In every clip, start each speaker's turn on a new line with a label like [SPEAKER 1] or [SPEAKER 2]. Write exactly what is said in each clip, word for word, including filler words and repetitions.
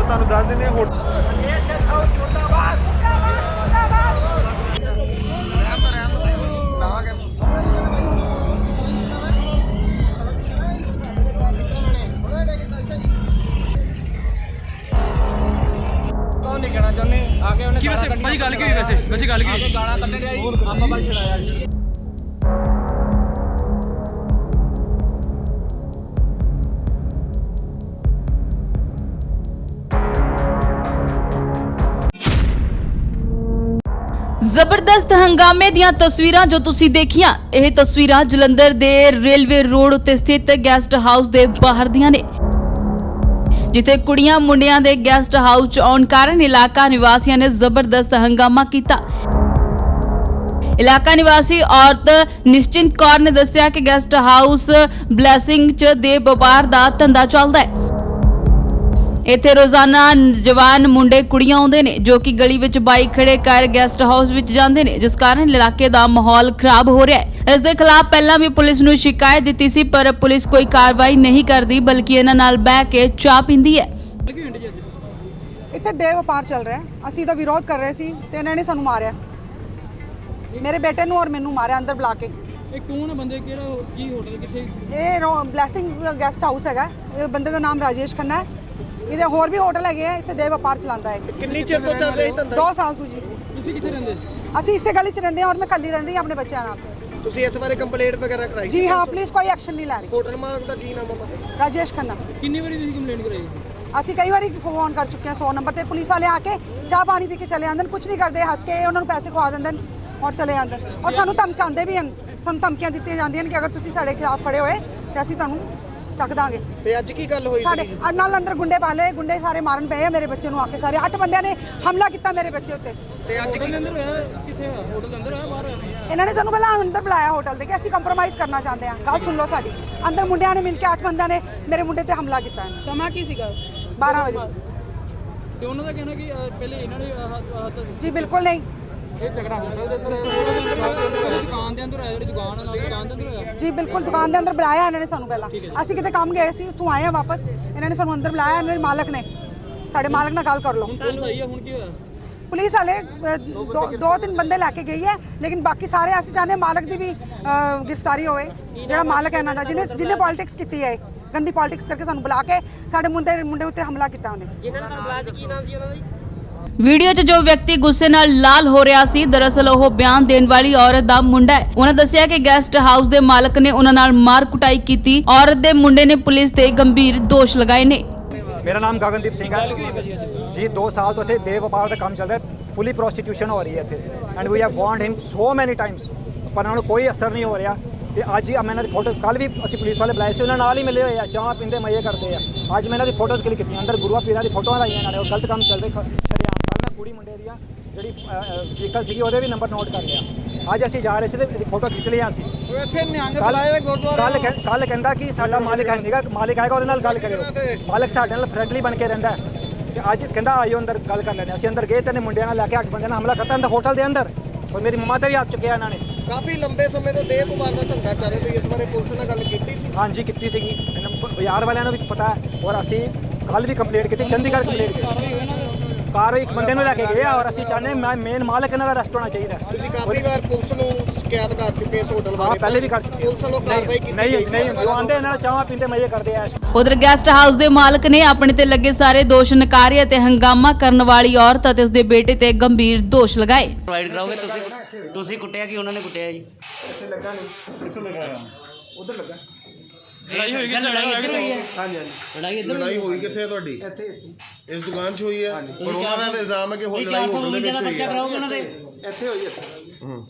[SPEAKER 1] ਤੁਹਾਨੂੰ ਦੱਸ ਦਿੰਦੇ ਹਾਂ।
[SPEAKER 2] नहीं कहना चाहते आगे उन्हें
[SPEAKER 3] की वैसे भाई गल की वैसे वैसे गल की
[SPEAKER 2] गाना कट्टे दिया आपा भाई छड़ाया
[SPEAKER 4] ਜ਼ਬਰਦਸਤ ਹੰਗਾਮੇ ਦੀਆਂ ਤਸਵੀਰਾਂ ਜੋ ਤੁਸੀਂ ਦੇਖੀਆਂ, ਇਹ ਤਸਵੀਰਾਂ ਜਲੰਧਰ ਦੇ ਰੇਲਵੇ ਰੋਡ ਉੱਤੇ ਸਥਿਤ ਗੈਸਟ ਹਾਊਸ ਦੇ ਬਾਹਰ ਦੀਆਂ ਨੇ, ਜਿੱਥੇ ਕੁੜੀਆਂ ਮੁੰਡਿਆਂ ਦੇ ਗੈਸਟ ਹਾਊਸ 'ਚ ਆਉਣ ਕਾਰਨ ਇਲਾਕਾ ਨਿਵਾਸੀਆਂ ਨੇ ਜ਼ਬਰਦਸਤ ਹੰਗਾਮਾ ਕੀਤਾ। ਇਲਾਕਾ ਨਿਵਾਸੀ ਔਰਤ ਨਿਸ਼ਚਿੰਤ ਕੌਰ ਨੇ ਦੱਸਿਆ ਕਿ ਗੈਸਟ ਹਾਊਸ ਬਲੈਸਿੰਗ 'ਚ ਦੇ ਵਪਾਰ ਦਾ ਧੰਦਾ ਚੱਲਦਾ ਹੈ। ਇੱਥੇ ਰੋਜ਼ਾਨਾ ਜਵਾਨ ਮੁੰਡੇ ਕੁੜੀਆਂ ਆਉਂਦੇ ਨੇ ਜੋ ਕਿ ਗਲੀ ਵਿੱਚ ਬਾਈਕ ਖੜੇ ਕਰ ਗੈਸਟ ਹਾਊਸ ਵਿੱਚ ਜਾਂਦੇ ਨੇ, ਜਿਸ ਕਾਰਨ ਇਲਾਕੇ ਦਾ ਮਾਹੌਲ ਖਰਾਬ ਹੋ ਰਿਹਾ ਹੈ। ਇਸ ਦੇ ਖਿਲਾਫ ਪਹਿਲਾਂ ਵੀ ਪੁਲਿਸ ਨੂੰ ਸ਼ਿਕਾਇਤ ਦਿੱਤੀ ਸੀ, ਪਰ ਪੁਲਿਸ ਕੋਈ ਕਾਰਵਾਈ ਨਹੀਂ ਕਰਦੀ, ਬਲਕਿ ਇਹਨਾਂ ਨਾਲ ਬਹਿ ਕੇ ਚਾਹ ਪੀਂਦੀ ਹੈ।
[SPEAKER 5] ਇੱਥੇ ਦੇ ਵਪਾਰ ਚੱਲ ਰਿਹਾ, ਅਸੀਂ ਤਾਂ ਵਿਰੋਧ ਕਰ ਰਹੇ ਸੀ ਤੇ ਇਹਨਾਂ ਨੇ ਸਾਨੂੰ ਮਾਰਿਆ, ਮੇਰੇ ਬੇਟੇ ਨੂੰ ਔਰ ਮੈਨੂੰ ਮਾਰਿਆ ਅੰਦਰ ਬੁਲਾ ਕੇ।
[SPEAKER 3] ਇਹ ਕੌਣ ਬੰਦੇ, ਕਿਹੜਾ ਕੀ ਹੋਟਲ ਕਿੱਥੇ?
[SPEAKER 5] ਇਹ ਬਲੈਸਿੰਗਸ ਗੈਸਟ ਹਾਊਸ ਹੈਗਾ, ਇਹ ਬੰਦੇ ਦਾ ਨਾਮ ਰਾਜੇਸ਼ ਖੰਨਾ ਹੈ। ਇਹਦੇ ਹੋਰ ਵੀ ਹੋਟਲ ਹੈਗੇ ਆ, ਇੱਥੇ ਦੇ ਵਪਾਰ ਚਲਾਉਂਦਾ ਹੈ।
[SPEAKER 2] ਕਿੰਨੀ ਚਿਰ ਤੋਂ ਚੱਲ ਰਹੀ ਧੰਦਾ?
[SPEAKER 5] ਦੋ ਸਾਲ ਤੋਂ ਜੀ।
[SPEAKER 3] ਤੁਸੀਂ ਕਿੱਥੇ ਰਹਿੰਦੇ?
[SPEAKER 5] ਅਸੀਂ ਇਸੇ ਗਲੀ 'ਚ ਰਹਿੰਦੇ ਹਾਂ ਔਰ ਮੈਂ ਕੱਲੀ ਰਹਿੰਦੀ ਹਾਂ ਆਪਣੇ ਬੱਚਿਆਂ ਨਾਲ।
[SPEAKER 2] ਤੁਸੀਂ ਇਸ ਬਾਰੇ ਕੰਪਲੇਂਟ ਵਗੈਰਾ ਕਰਾਈ?
[SPEAKER 5] ਜੀ ਹਾਂ, ਪਲੀਜ਼ ਕੋਈ ਐਕਸ਼ਨ ਨਹੀਂ ਲੈ ਰਹੀ।
[SPEAKER 2] ਹੋਟਲ ਮਾਲਕ ਦਾ ਕੀ ਨਾਮ ਹੈ?
[SPEAKER 5] ਰਾਜੇਸ਼ ਖੰਨਾ।
[SPEAKER 3] ਕਿੰਨੀ ਵਾਰੀ ਤੁਸੀਂ ਕੰਪਲੇਂਟ ਕਰਾਈ?
[SPEAKER 5] ਅਸੀਂ ਕਈ ਵਾਰੀ ਫੋਨ ਕਰ ਚੁੱਕੇ ਹਾਂ ਸੌ ਨੰਬਰ ਤੇ, ਪੁਲਿਸ ਵਾਲੇ ਆ ਕੇ ਚਾਹ ਪਾਣੀ ਪੀ ਕੇ ਚਲੇ ਜਾਂਦੇ ਨੇ, ਕੁਝ ਨਹੀਂ ਕਰਦੇ, ਹੱਸ ਕੇ ਉਹਨਾਂ ਨੂੰ ਪੈਸੇ ਖਵਾ ਦਿੰਦੇ ਨੇ ਔਰ ਚਲੇ ਜਾਂਦੇ ਨੇ। ਔਰ ਸਾਨੂੰ ਧਮਕਾਉਂਦੇ ਵੀ ਹਨ, ਸਾਨੂੰ ਧਮਕੀਆਂ ਦਿੱਤੀਆਂ ਜਾਂਦੀਆਂ ਨੇ ਕਿ ਅਗਰ ਤੁਸੀਂ ਸਾਡੇ ਖਿਲਾਫ ਖੜੇ ਹੋਏ ਤੇ ਅਸੀਂ ਤੁਹਾਨੂੰ ਚੱਕ ਦਾਂਗੇ।
[SPEAKER 2] ਤੇ ਅੱਜ ਕੀ ਗੱਲ ਹੋਈ?
[SPEAKER 5] ਸਾਡੇ ਨਾਲ ਅੰਦਰ ਗੁੰਡੇ ਪਾਲੇ, ਗੁੰਡੇ ਸਾਰੇ ਮਾਰਨ ਪਏ ਆ ਮੇਰੇ ਬੱਚੇ ਨੂੰ, ਆ ਕੇ ਸਾਰੇ ਅੱਠ ਬੰਦਿਆਂ ਨੇ ਹਮਲਾ ਕੀਤਾ ਮੇਰੇ ਬੱਚੇ ਉੱਤੇ।
[SPEAKER 2] ਤੇ ਅੱਜ
[SPEAKER 3] ਹੋਟਲ ਦੇ ਅੰਦਰ ਹੋਇਆ? ਕਿੱਥੇ ਹੋਇਆ? ਹੋਟਲ ਦੇ ਅੰਦਰ ਹੋਇਆ ਬਾਹਰ ਹੋਇਆ?
[SPEAKER 5] ਇਹਨਾਂ ਨੇ ਸਾਨੂੰ ਪਹਿਲਾਂ ਅੰਦਰ ਬੁਲਾਇਆ ਹੋਟਲ ਦੇ ਕਿ ਅਸੀਂ ਕੰਪਰੋਮਾਈਜ਼ ਕਰਨਾ ਚਾਹੁੰਦੇ ਹਾਂ, ਗੱਲ ਸੁਣ ਲਓ ਸਾਡੀ। ਅੰਦਰ ਮੁੰਡਿਆਂ ਨੇ ਮਿਲ ਕੇ ਅੱਠ ਬੰਦਿਆਂ ਨੇ ਮੇਰੇ ਮੁੰਡੇ ਤੇ ਹਮਲਾ ਕੀਤਾ ਹੈ।
[SPEAKER 3] ਸਮਾਂ ਕੀ ਸੀਗਾ?
[SPEAKER 5] ਬਾਰਾਂ ਵਜੇ।
[SPEAKER 3] ਤੇ ਉਹਨਾਂ ਦਾ ਕਹਿਣਾ ਕਿ ਅਹ, ਪਹਿਲੇ ਇਹਨਾਂ ਨੇ ਆਹ
[SPEAKER 5] ਜੀ ਬਿਲਕੁਲ ਨਹੀਂ,
[SPEAKER 3] ਇਹ ਝਗੜਾ ਹੋਟਲ ਦੇ ਅੰਦਰ ਹੋਇਆ, ਦੁਕਾਨ ਦੇ ਅੰਦਰ ਹੋਇਆ, ਜਿਹੜੀ ਦੁਕਾਨ ਹੈ ਨਾਲ ਦੁਕਾਨ ਦੇ ਅੰਦਰ ਹੋਇਆ?
[SPEAKER 5] ਜੀ ਬਿਲਕੁਲ, ਦੁਕਾਨ ਦੇ ਅੰਦਰ ਬੁਲਾਇਆ ਇਹਨਾਂ ਨੇ ਸਾਨੂੰ ਪਹਿਲਾਂ। ਅਸੀਂ ਕਿਤੇ ਕੰਮ ਗਏ ਸੀ, ਉੱਥੋਂ ਆਏ ਆ ਵਾਪਸ, ਇਹਨਾਂ ਨੇ ਸਾਨੂੰ ਅੰਦਰ ਬੁਲਾਇਆ, ਇਹਨਾਂ ਦੇ ਮਾਲਕ ਨੇ, ਸਾਡੇ ਮਾਲਕ ਨਾਲ ਗੱਲ ਕਰ ਲਓ।
[SPEAKER 3] ਹੁਣ ਪੁਲਿਸ ਆਈ ਹੈ, ਹੁਣ ਕੀ ਹੋਇਆ?
[SPEAKER 5] ਪੁਲਿਸ ਵਾਲੇ ਦੋ ਦੋ ਤਿੰਨ ਬੰਦੇ ਲੈ ਕੇ ਗਈ ਹੈ, ਲੇਕਿਨ ਬਾਕੀ ਸਾਰੇ ਅਸੀਂ ਚਾਹੁੰਦੇ ਮਾਲਕ ਦੀ ਵੀ ਗ੍ਰਿਫਤਾਰੀ ਹੋਵੇ, ਜਿਹੜਾ ਮਾਲਕ ਹੈ ਇਹਨਾਂ ਦਾ, ਜਿਹਨੇ ਜਿਹਨੇ ਪੋਲਿਟਿਕਸ ਕੀਤੀ ਹੈ, ਗੰਦੀ ਪੋਲਿਟਿਕਸ ਕਰਕੇ ਸਾਨੂੰ ਬੁਲਾ ਕੇ ਸਾਡੇ ਮੁੰਡੇ ਮੁੰਡੇ ਉੱਤੇ ਹਮਲਾ ਕੀਤਾ ਉਹਨੇ।
[SPEAKER 2] ਜਿਨ੍ਹਾਂ ਨੇ ਤੁਹਾਨੂੰ ਬੁਲਾਇਆ ਸੀ, ਕੀ ਨਾਮ ਸੀ ਉਹਨਾਂ ਦਾ ਜੀ?
[SPEAKER 4] ਵੀਡੀਓ 'ਚ ਜੋ ਵਿਅਕਤੀ ਗੁੱਸੇ ਨਾਲ ਲਾਲ ਹੋ ਰਿਹਾ ਸੀ, ਦਰਅਸਲ ਉਹ ਬਿਆਨ ਦੇਣ ਵਾਲੀ ਔਰਤ ਦਾ ਮੁੰਡਾ ਹੈ। ਉਹਨਾਂ ਦੱਸਿਆ ਕਿ ਗੈਸਟ ਹਾਊਸ ਦੇ ਮਾਲਕ ਨੇ ਉਹਨਾਂ ਨਾਲ ਮਾਰ ਕੁਟਾਈ ਕੀਤੀ। ਔਰਤ ਦੇ ਮੁੰਡੇ ਨੇ ਪੁਲਿਸ ਤੇ ਗੰਭੀਰ ਦੋਸ਼ ਲਗਾਏ ਨੇ।
[SPEAKER 6] मेरा नाम गगनदीप सिंह है जी। दो साल तो थे दे व्यापार का काम चल रहा है, फुली प्रोस्टिट्यूशन हो रही है इतने, and we have warned him so many times, पर उन्होंने कोई असर नहीं हो रहा। ਤੇ ਅੱਜ ਹੀ ਮੈਂ ਇਹਨਾਂ ਦੀ ਫੋਟੋ, ਕੱਲ ਵੀ ਅਸੀਂ ਪੁਲਿਸ ਵਾਲੇ ਬੁਲਾਏ ਸੀ, ਉਹਨਾਂ ਨਾਲ ਹੀ ਮਿਲੇ ਹੋਏ ਆ, ਚਾਹ ਪੀਂਦੇ ਮਜ਼ੇ ਕਰਦੇ ਆ। ਅੱਜ ਮੈਂ ਇਹਨਾਂ ਦੀ ਫੋਟੋਜ਼ ਕਲਿੱਕ ਕੀਤੀਆਂ, ਅੰਦਰ ਗੁਰੂਆਂ ਪੀਰਾਂ ਦੀ ਫੋਟੋਆਂ ਲਾਈਆਂ ਇਹਨਾਂ ਨੇ, ਉਹ ਗਲਤ ਕੰਮ ਚੱਲ ਰਿਹਾ ਸ਼ਰੇਆਮ। ਕੱਲ੍ਹ ਮੈਂ ਕੁੜੀ ਮੁੰਡੇ ਦੀਆਂ ਜਿਹੜੀ ਵਹੀਕਲ ਸੀਗੀ ਉਹਦੇ ਵੀ ਨੰਬਰ ਨੋਟ ਕਰ ਲਿਆ। ਅੱਜ ਅਸੀਂ ਜਾ ਰਹੇ ਸੀ ਤੇ ਇਹਦੀ ਫੋਟੋ ਖਿੱਚ ਲਈ ਅਸੀਂ।
[SPEAKER 2] ਇੱਥੇ ਨਿਹੰਗ ਬੁਲਾਏ ਗੁਰਦੁਆਰਾ।
[SPEAKER 6] ਕੱਲ ਕੱਲ ਕਹਿੰਦਾ ਕਿ ਸਾਡਾ ਮਾਲਿਕ ਹੈ ਨਹੀਂਗਾ, ਮਾਲਿਕ ਆਏਗਾ ਉਹਦੇ ਨਾਲ ਗੱਲ ਕਰਿਓ। ਮਾਲਿਕ ਸਾਡੇ ਨਾਲ ਫਰੈਂਡਲੀ ਬਣ ਕੇ ਰਹਿੰਦਾ ਤੇ ਅੱਜ ਕਹਿੰਦਾ ਆਇਓ ਅੰਦਰ ਗੱਲ ਕਰ ਲੈਂਦੇ। ਅਸੀਂ ਅੰਦਰ ਗਏ ਤੇ ਮੁੰਡਿਆਂ ਨਾਲ ਲੈ ਕੇ ਅੱਠ ਬੰਦਿਆਂ ਨਾਲ ਹਮਲਾ ਕਰਤਾ ਅੰਦਰ ਹੋਟਲ ਦੇ ਅੰਦਰ, ਔਰ ਮੇਰੀ ਮੰਮਾ ਤੇ ਵੀ ਹੱਥ ਚੁੱਕਿਆ ਇਹਨਾਂ ਨੇ।
[SPEAKER 2] ਕਾਫੀ ਲੰਬੇ ਸਮੇਂ ਤੋਂ ਦੇਹ ਵਪਾਰ ਦਾ ਧੰਦਾ ਚੱਲ ਰਿਹਾ, ਤੁਸੀਂ ਇਸ ਬਾਰੇ ਪੁਲਿਸ ਨਾਲ ਗੱਲ ਕੀਤੀ ਸੀ?
[SPEAKER 6] ਹਾਂਜੀ ਕੀਤੀ ਸੀਗੀ, ਬਾਜ਼ਾਰ ਵਾਲਿਆਂ ਨੂੰ ਵੀ ਪਤਾ ਹੈ, ਔਰ ਅਸੀਂ ਕੱਲ ਵੀ ਕੰਪਲੇਂਟ ਕੀਤੀ, ਚੰਡੀਗੜ੍ਹ ਕੰਪਲੇਂਟ ਕੀਤੀ। ਕਾਰ ਇੱਕ ਬੰਦੇ ਨੂੰ ਲੈ ਕੇ ਗਏ ਆ, ਔਰ ਅਸੀਂ ਚਾਹੁੰਦੇ ਮੈਂ ਮੇਨ ਮਾਲਕ ਇਹਨਾਂ ਦਾ ਅਰੈਸਟ ਹੋਣਾ ਚਾਹੀਦਾ।
[SPEAKER 2] ਤੁਸੀਂ ਕਾਫੀ ਵਾਰ ਪੁਲਿਸ ਨੂੰ ਸ਼ਿਕਾਇਤ ਕਰ ਚੁੱਕੇ ਇਸ ਹੋਟਲ ਬਾਰੇ?
[SPEAKER 6] ਹਾਂ ਪਹਿਲੇ ਵੀ ਕਰ ਚੁੱਕੇ।
[SPEAKER 2] ਪੁਲਿਸ ਵੱਲੋਂ ਕਾਰਵਾਈ ਕੀਤੀ
[SPEAKER 6] ਨਹੀਂ ਨਹੀਂ, ਜੋ ਆਉਂਦੇ ਇਹਨਾਂ ਨਾਲ ਚਾਹਾਂ ਪੀਂਦੇ ਮਜ਼ੇ ਕਰਦੇ ਆ।
[SPEAKER 4] ਉਧਰ ਗੈਸਟ ਹਾਊਸ ਦੇ ਮਾਲਕ ਨੇ ਆਪਣੇ ਤੇ ਲੱਗੇ ਸਾਰੇ ਦੋਸ਼ ਨਕਾਰੇ ਅਤੇ ਹੰਗਾਮਾ ਕਰਨ ਵਾਲੀ ਔਰਤ ਅਤੇ ਉਸਦੇ ਬੇਟੇ ਤੇ ਗੰਭੀਰ ਦੋਸ਼ ਲਗਾਏ।
[SPEAKER 7] ਪ੍ਰੋਵਾਈਡ ਕਰਾਓਗੇ ਤੁਸੀਂ? ਤੁਸੀਂ ਕੁੱਟਿਆ ਕਿ ਉਹਨਾਂ ਨੇ ਕੁੱਟਿਆ ਜੀ?
[SPEAKER 2] ਇੱਥੇ ਲੱਗਾ ਨਹੀਂ, ਕਿੱਥੋਂ ਲਗਾਇਆ? ਉਧਰ ਲੱਗਾ।
[SPEAKER 7] ਲੜਾਈ ਹੋਈ ਹੈ? ਲੜਾਈ ਇੱਧਰ ਹੋਈ ਹੈ?
[SPEAKER 2] ਹਾਂਜੀ ਹਾਂਜੀ।
[SPEAKER 7] ਲੜਾਈ ਇੱਧਰ
[SPEAKER 8] ਲੜਾਈ ਹੋਈ ਕਿੱਥੇ ਹੈ ਤੁਹਾਡੀ?
[SPEAKER 2] ਇੱਥੇ
[SPEAKER 8] ਇਸ ਦੁਕਾਨ 'ਚ ਹੋਈ ਹੈ? ਪਰ ਉਹਨਾਂ ਦਾ ਤਾਂ ਇਲਜ਼ਾਮ ਹੈ ਕਿ ਹੋਰ ਲੜਾਈ ਹੋਟਲ ਦੇ ਵਿੱਚ ਹੋਈ
[SPEAKER 7] ਬੱਚਾ
[SPEAKER 8] ਹੈ।
[SPEAKER 7] ਕਰਾਓਗੇ ਉਹਨਾਂ ਦੇ?
[SPEAKER 2] ਇੱਥੇ ਹੋਈ ਹੈ।
[SPEAKER 8] ਹੂੰ।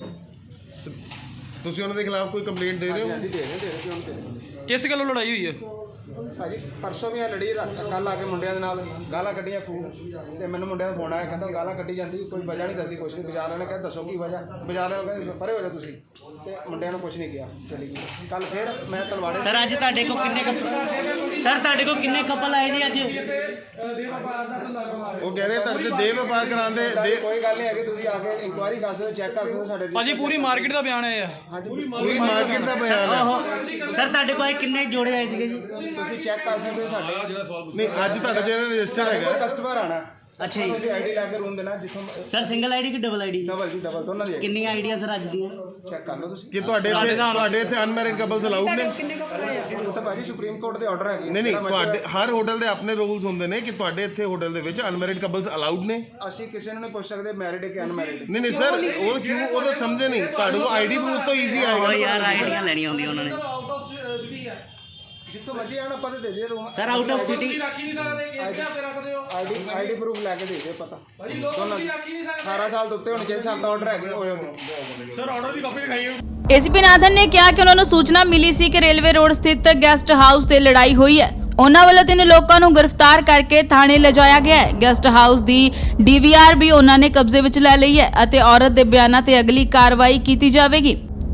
[SPEAKER 8] ਤੁਸੀਂ ਉਹਨਾਂ ਦੇ ਖਿਲਾਫ ਕੋਈ ਕੰਪਲੇਂਟ ਦੇ ਰਹੇ ਹੋ?
[SPEAKER 2] ਹਾਂਜੀ ਦੇ ਰਹੇ ਦੇ ਰਹੇ ਕਿਉਂ ਦੇ ਰਹੇ
[SPEAKER 3] ਕਿਸ ਗੱਲੋਂ ਲੜਾਈ ਹੋਈ ਹੈ?
[SPEAKER 2] ਭਾਜੀ ਪਰਸੋਂ ਵੀ ਆ ਲੜੀ, ਕੱਲ ਆ ਕੇ ਮੁੰਡਿਆਂ ਦੇ ਨਾਲ ਗਾਲਾਂ ਕੱਢੀਆਂ ਖੂਬ, ਤੇ ਮੈਨੂੰ ਮੁੰਡਿਆਂ ਦਾ ਫੋਨ ਆਇਆ, ਕਹਿੰਦਾ ਗਾਲਾਂ ਕੱਢੀ ਜਾਂਦੀ, ਕੋਈ ਵਜ੍ਹਾ ਨਹੀਂ ਦੱਸਦੀ ਕੁਛ ਨਹੀਂ। ਬਾਜ਼ਾਰ ਵਾਲੇ ਕਹਿੰਦੇ ਦੱਸੋ ਕੀ ਵਜ੍ਹਾ? ਬਾਜ਼ਾਰ ਵਾਲੇ ਕਹਿੰਦੇ ਪਰੇ ਹੋ ਜਾ ਤੁਸੀਂ, ਤੇ ਮੁੰਡਿਆਂ ਨੂੰ ਕੁਛ ਨਹੀਂ ਕਿਹਾ, ਚਲੀ ਗਈ। ਕੱਲ ਫਿਰ ਮੈਂ ਤਲਵਾੜੇ।
[SPEAKER 7] ਸਰ ਅੱਜ ਤੁਹਾਡੇ ਕੋਲ ਕਿੰਨੇ ਕਪਲ ਸਰ ਤੁਹਾਡੇ ਕੋਲ ਕਿੰਨੇ ਕਪਲ ਆਏ ਜੀ ਅੱਜ?
[SPEAKER 8] ਉਹ ਕਹਿ ਰਹੇ ਤੁਹਾਡੇ ਤੇ ਦੇਹ ਵਪਾਰ ਕਰਾਉਂਦੇ ਦੇ
[SPEAKER 2] ਕੋਈ ਗੱਲ ਨਹੀਂ ਹੈਗੀ, ਤੁਸੀਂ ਆ ਕੇ ਇਨਕੁਆਇਰੀ ਕਰ ਸਕਦੇ ਹੋ, ਚੈੱਕ ਕਰ ਸਕਦੇ ਹੋ ਸਾਡੇ
[SPEAKER 3] ਭਾਜੀ ਪੂਰੀ ਮਾਰਕੀਟ ਦਾ ਬਿਆਨ ਹੈ ਆ
[SPEAKER 2] ਹਾਂਜੀ
[SPEAKER 8] ਪੂਰੀ ਮਾਰਕੀਟ ਦਾ ਬਿਆਨ ਹੈ।
[SPEAKER 7] ਸਰ ਤੁਹਾਡੇ ਕੋਲ ਕਿੰਨੇ ਜੋੜੇ ਆਏ ਸੀਗੇ ਜੀ?
[SPEAKER 2] ਤੁਸੀਂ ਚੈੱਕ ਕਰ ਸਕਦੇ ਹੋ ਸਾਡੇ
[SPEAKER 8] ਨਹੀਂ ਅੱਜ ਤੁਹਾਡਾ ਜਿਹੜਾ ਰਜਿਸਟਰ ਹੈਗਾ
[SPEAKER 2] ਕਸਟਮਰ ਆਣਾ
[SPEAKER 7] ਅੱਛਾ ਜੀ।
[SPEAKER 2] ਤੁਸੀਂ ਆਈਡੀ ਲੈ ਕੇ ਰੂਮ ਦੇਣਾ ਜਿੱਥੋਂ
[SPEAKER 7] ਸਰ ਸਿੰਗਲ ਆਈਡੀ ਕਿ ਡਬਲ ਆਈਡੀ?
[SPEAKER 2] ਡਬਲ ਜੀ ਡਬਲ ਦੋਨਾਂ ਦੀ
[SPEAKER 7] ਕਿੰਨੀਆਂ ਆਈਡੀਆਂ ਸਰ ਅੱਜ ਦੀਆਂ?
[SPEAKER 2] ਚੈੱਕ ਕਰ ਲਓ ਤੁਸੀਂ।
[SPEAKER 8] ਕਿ ਤੁਹਾਡੇ ਇੱਥੇ ਤੁਹਾਡੇ ਇੱਥੇ ਅਨਮੈਰਿਡ ਕਪਲਸ ਅਲਾਉਡ ਨੇ?
[SPEAKER 2] ਤਾਂ ਭਾਜੀ ਸੁਪਰੀਮ ਕੋਰਟ ਦੇ ਆਰਡਰ ਹੈਗੇ।
[SPEAKER 8] ਨਹੀਂ ਨਹੀਂ ਤੁਹਾਡੇ ਹਰ ਹੋਟਲ ਦੇ ਆਪਣੇ ਰੂਲਸ ਹੁੰਦੇ ਨੇ ਕਿ ਤੁਹਾਡੇ ਇੱਥੇ ਹੋਟਲ ਦੇ ਵਿੱਚ ਅਨਮੈਰਿਡ ਕਪਲਸ ਅਲਾਉਡ ਨੇ?
[SPEAKER 2] ਅਸੀਂ ਕਿਸੇ ਨੂੰ ਨਹੀਂ ਪੁੱਛ ਸਕਦੇ ਮੈਰਿਡ ਹੈ ਕਿ ਅਨਮੈਰਿਡ।
[SPEAKER 8] ਨਹੀਂ ਨਹੀਂ ਸਰ ਉਹ ਕਿਉਂ ਉਹ ਤਾਂ ਸਮਝੇ ਨਹੀਂ, ਤੁਹਾਡੇ ਕੋਲ ਆਈਡੀ ਪ੍ਰੂਫ ਤੋਂ ਈਜ਼ੀ
[SPEAKER 7] ਉਹ
[SPEAKER 8] ਆਏਗਾ।
[SPEAKER 7] ਯਾਰ ਆਈਡੀਆਂ ਲੈਣੀਆਂ ਹੁੰਦੀਆਂ ਉਹਨਾਂ ਨੇ।
[SPEAKER 2] ਜਿੱਥੋਂ ਮਰਜੀ ਆਣਾ ਆਪਾਂ ਦੇ ਦੇ room.
[SPEAKER 7] Sir out of city
[SPEAKER 2] ID ID proof ਲੈ ਕੇ ਦੇ ਦੇ ਪਤਾ ਦੋਨਾਂ ਦੀ ਅਠਾਰਾਂ ਸਾਲ ਤੋਂ ਉੱਤੇ ਹੋਣੀ ਚਾਹੀਦੀ, ਸਾਡਾ ਆਰਡਰ ਹੈਗੇ ਹੋਏ ਹੋਣੇ। ਸਰ ਆਰਡਰ ਦੀ ਕਾਪੀ ਦਿਖਾਈਓ।
[SPEAKER 4] ਏਸੀਪੀ ਨਾਥਨ ਨੇ ਕਿਹਾ ਕਿ ਉਹਨਾਂ ਨੂੰ ਸੂਚਨਾ ਮਿਲੀ ਸੀ ਕਿ ਰੇਲਵੇ ਰੋਡ ਸਥਿਤ ਗੈਸਟ ਹਾਊਸ ਤੇ ਲੜਾਈ ਹੋਈ ਹੈ। ਉਹਨਾਂ ਵੱਲੋਂ ਤਿੰਨ ਲੋਕਾਂ ਨੂੰ ਗ੍ਰਿਫਤਾਰ ਕਰਕੇ ਥਾਣੇ ਲਿਜਾਇਆ ਗਿਆ ਹੈ। ਗੈਸਟ ਹਾਊਸ ਦੀ ਡੀਵੀਆਰ ਵੀ ਉਹਨਾਂ ਨੇ ਕਬਜ਼ੇ ਵਿੱਚ ਲੈ ਲਈ ਹੈ ਅਤੇ ਔਰਤ ਦੇ ਬਿਆਨਾਂ ਤੇ ਅਗਲੀ ਕਾਰਵਾਈ ਕੀਤੀ ਜਾਵੇਗੀ।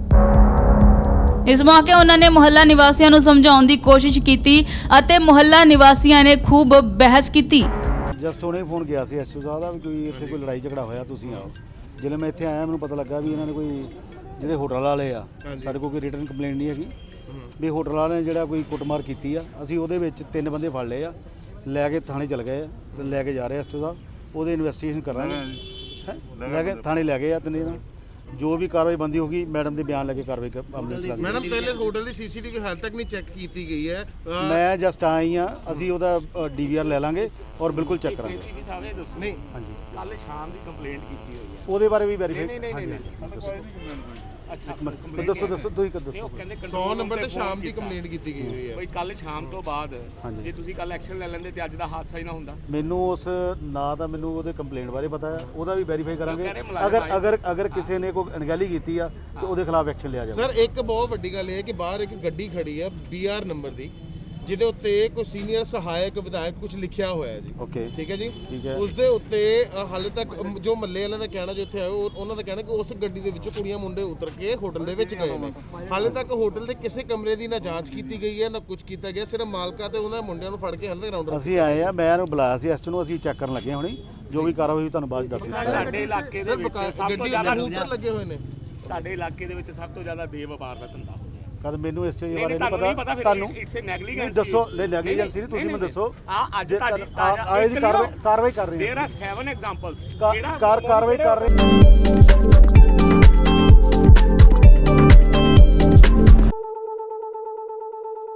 [SPEAKER 4] ਇਸ ਮੌਕੇ ਉਹਨਾਂ ਨੇ ਮੁਹੱਲਾ ਨਿਵਾਸੀਆਂ ਨੂੰ ਸਮਝਾਉਣ ਦੀ ਕੋਸ਼ਿਸ਼ ਕੀਤੀ ਅਤੇ ਮੁਹੱਲਾ ਨਿਵਾਸੀਆਂ ਨੇ ਖੂਬ ਬਹਿਸ ਕੀਤੀ।
[SPEAKER 1] ਜਸਟ ਉਹਨੇ ਫੋਨ ਗਿਆ ਸੀ ਐਸਓ ਸਾਹਿਬ ਦਾ ਵੀ ਕੋਈ ਇੱਥੇ ਕੋਈ ਲੜਾਈ ਝਗੜਾ ਹੋਇਆ, ਤੁਸੀਂ ਆਓ। ਜਦੋਂ ਮੈਂ ਇੱਥੇ ਆਇਆ ਮੈਨੂੰ ਪਤਾ ਲੱਗਾ ਵੀ ਇਹਨਾਂ ਨੇ ਕੋਈ ਜਿਹੜੇ ਹੋਟਲ ਵਾਲੇ ਆ, ਸਾਡੇ ਕੋਲ ਕੋਈ ਰਿਟਨ ਕੰਪਲੇਂਟ ਨਹੀਂ ਹੈਗੀ ਵੀ ਹੋਟਲ ਵਾਲੇ ਨੇ ਜਿਹੜਾ ਕੋਈ ਕੁੱਟਮਾਰ ਕੀਤੀ ਆ। ਅਸੀਂ ਉਹਦੇ ਵਿੱਚ ਤਿੰਨ ਬੰਦੇ ਫੜ ਲਏ ਆ, ਲੈ ਕੇ ਥਾਣੇ ਚਲ ਗਏ ਆ ਤੇ ਲੈ ਕੇ ਜਾ ਰਹੇ ਐਸਓ ਸਾਹਿਬ, ਉਹਦੇ ਇਨਵੈਸਟੀਗੇਸ਼ਨ ਕਰਾਂਗੇ। ਹੈਂ? ਲੈ ਕੇ ਥਾਣੇ ਲੈ ਗਏ ਆ ਤਿੰਨੇ ਨਾਲ, ਜੋ ਵੀ ਕਾਰਵਾਈ ਬੰਦੀ ਹੋਗੀ ਮੈਡਮ ਦੇ ਬਿਆਨ ਲੈ ਕੇ ਕਾਰਵਾਈ ਕਰ ਅਮਲ ਚ ਲਾਂਗੇ।
[SPEAKER 8] ਮੈਡਮ ਪਹਿਲੇ ਹੋਟਲ ਦੀ ਸੀਸੀਟੀਵੀ ਹਾਲ ਤੱਕ ਨਹੀਂ ਚੈੱਕ ਕੀਤੀ ਗਈ ਹੈ।
[SPEAKER 1] ਮੈਂ ਜਸਟ ਆਈ ਆ, ਅਸੀਂ ਉਹਦਾ ਡੀਵੀਆਰ ਲੈ ਲਾਂਗੇ ਔਰ ਬਿਲਕੁਲ ਚੈੱਕ ਕਰਾਂਗੇ।
[SPEAKER 8] ਨਹੀਂ
[SPEAKER 1] ਹਾਂਜੀ
[SPEAKER 9] ਕੱਲ ਸ਼ਾਮ ਦੀ ਕੰਪਲੇਂਟ ਕੀਤੀ ਹੋਈ ਹੈ।
[SPEAKER 1] ਉਹਦੇ ਬਾਰੇ ਵੀ ਵੈਰੀਫਾਈ।
[SPEAKER 9] ਨਹੀਂ ਨਹੀਂ ਨਹੀਂ
[SPEAKER 1] ਅੱਛਾ ਦੱਸੋ ਦੱਸੋ ਤੁਸੀਂ ਕਦੋਂ
[SPEAKER 9] ਉਹ ਕਹਿੰਦੇ
[SPEAKER 8] ਸੌ ਨੰਬਰ ਤੇ ਸ਼ਾਮ ਦੀ ਕੰਪਲੇਂਟ ਕੀਤੀ ਗਈ ਹੋਈ ਹੈ।
[SPEAKER 9] ਬਈ ਕੱਲ ਸ਼ਾਮ ਤੋਂ ਬਾਅਦ
[SPEAKER 1] ਹਾਂਜੀ।
[SPEAKER 9] ਜੇ ਤੁਸੀਂ ਕੱਲ ਐਕਸ਼ਨ ਲੈ ਲੈਂਦੇ ਤੇ ਅੱਜ ਦਾ ਹਾਦਸਾ ਹੀ ਨਾ ਹੁੰਦਾ।
[SPEAKER 1] ਮੈਨੂੰ ਉਸ ਨਾ ਤਾਂ ਮੈਨੂੰ ਉਹਦੇ ਕੰਪਲੇਂਟ ਬਾਰੇ ਪਤਾ ਹੈ, ਉਹਦਾ ਵੀ ਵੈਰੀਫਾਈ ਕਰਾਂਗੇ।
[SPEAKER 9] ਕਹਿੰਦੇ ਮੁਲਾਜ਼ਮ
[SPEAKER 1] ਅਗਰ
[SPEAKER 9] ਆਏ
[SPEAKER 1] ਅਗਰ ਅਗਰ ਕਿਸੇ ਨੇ ਕੋਈ ਅਣਗਹਿਲੀ ਕੀਤੀ ਆ ਤੇ ਉਹਦੇ ਖਿਲਾਫ ਐਕਸ਼ਨ ਲਿਆ ਜਾਵੇ।
[SPEAKER 8] ਸਰ ਇੱਕ ਬਹੁਤ ਵੱਡੀ ਗੱਲ ਇਹ ਹੈ ਕਿ ਬਾਹਰ ਇੱਕ ਗੱਡੀ ਖੜੀ ਹੈ ਬੀ ਆਰ ਨੰਬਰ ਦੀ, ਜਿਹਦੇ ਉੱਤੇ ਕੋਈ ਸੀਨੀਅਰ ਸਹਾਇਕ ਵਿਧਾਇਕ ਕੁਝ ਲਿਖਿਆ ਹੋਇਆ ਹੈ ਜੀ।
[SPEAKER 1] ਓਕੇ
[SPEAKER 8] ਠੀਕ ਹੈ ਜੀ।
[SPEAKER 1] ਠੀਕ ਹੈ।
[SPEAKER 8] ਉਸ ਦੇ ਉੱਤੇ ਅ, ਹਾਲੇ ਤੱਕ ਅਮ, ਜੋ ਮੱਲੇ ਵਾਲਿਆਂ ਦਾ ਕਹਿਣਾ, ਜੋ ਇੱਥੇ ਆਏ ਉਹ- ਉਹਨਾਂ ਦਾ ਕਹਿਣਾ ਕਿ ਉਸ ਗੱਡੀ ਦੇ ਵਿੱਚੋਂ ਕੁੜੀਆਂ ਮੁੰਡੇ ਉਤਰ ਕੇ ਹੋਟਲ ਦੇ ਵਿੱਚ ਗਏ ਨੇ। ਹਾਲੇ ਤੱਕ ਹੋਟਲ ਦੇ ਕਿਸੇ ਕਮਰੇ ਦੀ ਨਾ ਜਾਂਚ ਕੀਤੀ ਗਈ ਹੈ ਨਾ ਕੁਝ ਕੀਤਾ ਗਿਆ, ਸਿਰਫ ਮਾਲਕਾ ਤੇ ਉਹਨਾਂ ਮੁੰਡਿਆਂ ਨੂੰ ਫੜ ਕੇ ਹਾਲੇ ਗਰਾਊਂਡ।
[SPEAKER 1] ਅਸੀਂ ਆਏ ਆ, ਮੈਂ ਇਹਨੂੰ ਬੁਲਾਇਆ ਸੀ ਐਸਟੀ ਨੂੰ, ਅਸੀਂ ਚੈੱਕ ਕਰਨ ਲੱਗੇ ਹੁਣੀ, ਜੋ ਵੀ ਕਾਰਵਾਈ ਹੋਈ ਤੁਹਾਨੂੰ ਬਾਅਦ ਚ ਦੱਸ ਦਿੰਦੇ।
[SPEAKER 9] ਸਾਡੇ ਇਲਾਕੇ ਦੇ ਵਿੱਚ ਸਭ ਤੋਂ
[SPEAKER 8] ਗੱਡੀ
[SPEAKER 9] ਜ਼ਿਆਦਾ
[SPEAKER 8] ਉੱਪਰ ਲੱਗੇ ਹੋਏ ਨੇ।
[SPEAKER 9] ਤੁਹਾਡੇ ਇਲਾਕੇ ਦੇ ਵਿੱਚ ਸਭ ਤੋਂ ਜ਼ਿਆਦਾ ਦੇਹ ਵਪਾਰ ਦਾ ਧੰਦਾ ਹੋ ਗਿਆ।
[SPEAKER 1] ਕਦ ਮੈਨੂੰ ਇਸ ਚੀਜ਼
[SPEAKER 9] ਨਹੀਂ,
[SPEAKER 1] ਬਾਰੇ
[SPEAKER 9] ਤੁਹਾਨੂੰ
[SPEAKER 1] ਨਹੀਂ
[SPEAKER 9] ਨਹੀਂ
[SPEAKER 1] ਪਤਾ
[SPEAKER 9] ਪਤਾ,
[SPEAKER 1] ਤੁਹਾਨੂੰ
[SPEAKER 9] ਇਟਸ ਅ ਨੈਗਲੀਜੈਂਸੀ।
[SPEAKER 1] ਨਹੀਂ ਦੱਸੋ, ਨਹੀਂ ਨੈਗਲੀਜੈਂਸੀ ਨਹੀਂ, ਤੁਸੀਂ ਮੈਨੂੰ ਦੱਸੋ।
[SPEAKER 9] ਆ ਅੱਜ
[SPEAKER 1] ਜੇ
[SPEAKER 9] ਤੁਹਾਡੀ
[SPEAKER 1] ਆ- ਆਏ ਦੀ ਕਾਰਵਾਈ ਕਾਰਵਾਈ ਕਰ ਰਹੇ
[SPEAKER 9] देयर आर सेवन एग्जांपल्स
[SPEAKER 1] ਹਾਂ ਕਾਰ ਕਾਰਵਾਈ ਕਰ ਰਹੇ।